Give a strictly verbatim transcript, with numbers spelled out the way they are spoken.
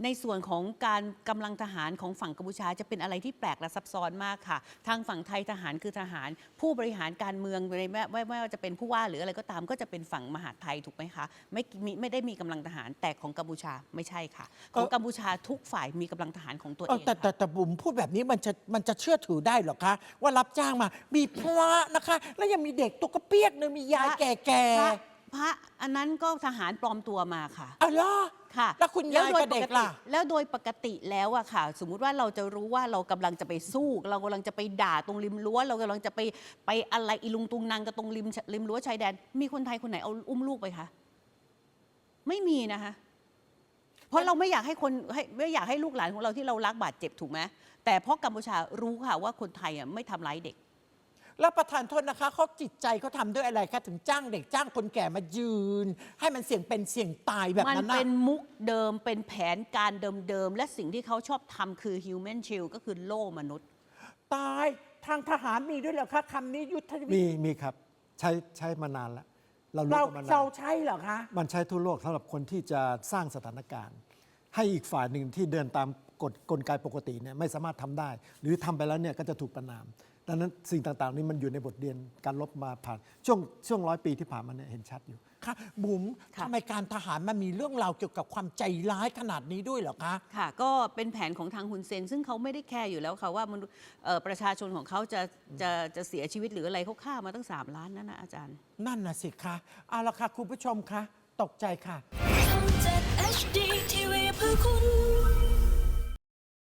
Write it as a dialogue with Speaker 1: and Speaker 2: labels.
Speaker 1: ในส่วนของการกำลังทหารของฝั่งกัมพูชาจะเป็นอะไรที่แปลกและซับซ้อนมากค่ะทางฝั่งไทยทหารคือทหารผู้บริหารการเมืองไม่ไม่ไม่ว่าจะเป็นผู้ว่าหรืออะไรก็ตามก็จะเป็นฝั่งมหาดไทยถูกไหมคะไม่มีไม่ได้มีกำลังทหารแต่ของกัมพูชาไม่ใช่ค่ะของกัมพูชาทุกฝ่ายมีกำลังทหารของตัวเอง
Speaker 2: แต่แต่แต่บุ๋มพูดแบบนี้มันจะมันจะเชื่อถือได้หรอคะว่ารับจ้างมามีพระนะคะแล้วยังมีเด็กตัวกระเปียกนึงมียายแก่ๆ
Speaker 1: พระอันนั้นก็ทหารปลอมตัวมาค่ะ
Speaker 2: อ๋อเหรอ
Speaker 1: ค่ะ
Speaker 2: แล้วคุณยายกับเด็กล่ะ
Speaker 1: แล้วโดยปกติแล้วอะค่ะสมมุติว่าเราจะรู้ว่าเรากำลังจะไปสู้เรากำลังจะไปด่าตรงริมรั้วเรากำลังจะไปไปอะไรอีลุงตุงนางกับตรงริมริมรั้วชายแดนมีคนไทยคนไหนเอาอุ้มลูกไปคะไม่มีนะคะเพราะเราไม่อยากให้คนไม่อยากให้ลูกหลานของเราที่เรารักบาดเจ็บถูกไหมแต่เพราะกัมพูชารู้ค่ะว่าคนไทยอะไม่ทำร้ายเด็ก
Speaker 2: แล้วประธานโทษนะคะเขาจิตใจเขาทำด้วยอะไรคะถึงจ้างเด็กจ้างคนแก่มายืนให้มันเสี่ยงเป็นเสี่ยงตายแบบนั้น
Speaker 1: มันเป็นมุกเดิมเป็นแผนการเดิมๆและสิ่งที่เขาชอบทำคือ human shield ก็คือโล่มนุษย์
Speaker 2: ตายทางทหารมีด้วยเหรอคะคำนี้ยุทธวิธี
Speaker 3: มีมีครับใช้ใช้มานานแล้วเรารู้
Speaker 2: เรา
Speaker 3: มานาน
Speaker 2: เราใช่เหรอคะ
Speaker 3: มันใช้ทั่วโลกสำหรับคนที่จะสร้างสถานการณ์ ให้อีกฝ่ายหนึ่งที่เดินตามกฎกลไกปกติเนี่ยไม่สามารถทำได้ หรือทำไปแล้วเนี่ยก็จะถูกประนามดังนั้นสิ่งต่างๆนี้มันอยู่ในบทเรียนการลบมาผ่านช่วงช่วงร้อยปีที่ผ่านมาเนี่ยเห็นชัดอยู่
Speaker 2: ค่ะบุ๋มทำไมการทหารมันมีเรื่องราวเกี่ยวกับความใจร้ายขนาดนี้ด้วยเหรอคะ
Speaker 1: ค่ะก็เป็นแผนของทางฮุนเซนซึ่งเขาไม่ได้แคร์อยู่แล้วค่ะว่ามันประชาชนของเขาจะจะจะเสียชีวิตหรืออะไรเขาฆ่ามาตั้งสามล้านนั่นนะอาจารย์
Speaker 2: นั่นน่ะสิคะเอาละค่ะคุณผู้ชมคะตกใจค่ะ
Speaker 4: ช่อง เจ็ด เอช ดี ที วี เพื่อคุณ